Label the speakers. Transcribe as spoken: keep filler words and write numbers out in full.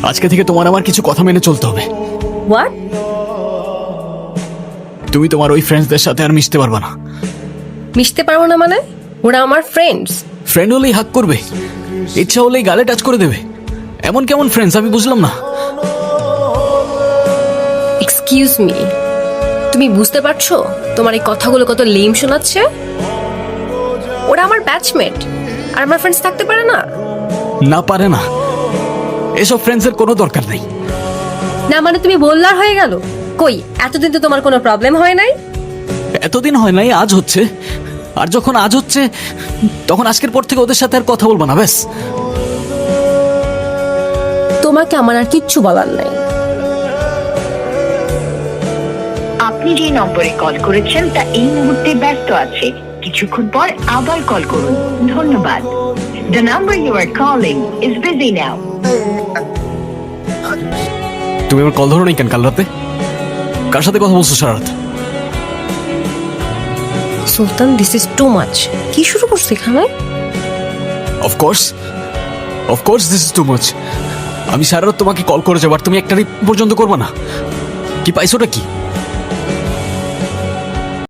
Speaker 1: আজকে থেকে তোমার আমার কিছু কথা মেনে চলতে হবে।
Speaker 2: হোয়াট?
Speaker 1: তুমি তোমার ওই ফ্রেন্ডসদের সাথে আর মিশতে পারবে না।
Speaker 2: মিশতে পারবো না মানে? ওরা আমার ফ্রেন্ডস।
Speaker 1: ফ্রেন্ড হলেই হাক করবে, ইচ্ছা হলেই গালে টাচ করে দেবে, এমন কেমন ফ্রেন্ডস আমি বুঝলাম না।
Speaker 2: এক্সকিউজ মি, তুমি বুঝতে পারছো তোমার এই কথাগুলো কত লেম শোনাচ্ছে? ওরা আমার ব্যাচমেট আর আমার ফ্রেন্ডস থাকতে পারে না?
Speaker 1: না পারে না, এসব ফ্রেন্ডসের কোনো দরকার নেই।
Speaker 2: না মানে তুমি বললার হয়ে গেল? কই, এতদিন তো তোমার কোনো প্রবলেম হয় নাই।
Speaker 1: এতদিন হয় নাই, আজ হচ্ছে। আর যখন আজ হচ্ছে তখন আজকের পর থেকে ওদের সাথে আর কথা বলবো না, ব্যাস।
Speaker 2: তোমাকে আমার আর কিচ্ছু বলার নাই।
Speaker 3: আপনি যে নম্বরে কল করেছেন তা এই মুহূর্তে ব্যস্ত আছে, কিছুক্ষণ পর আবার কল করুন। ধন্যবাদ। The number you are calling is busy now.
Speaker 1: তুমি আমার কল ধরো নাই কেন কাল রাতে? কার সাথে কথা বলছো সারা রাত?
Speaker 2: Sultan, this is too much. কি শুরু করছো এখানে?
Speaker 1: Of course of course this is too much. আমি সারা রাত তোমাকে কল করে যাবো আর তুমি একটা রিপ পর্যন্ত করবে না? কি পাইছোটা কি?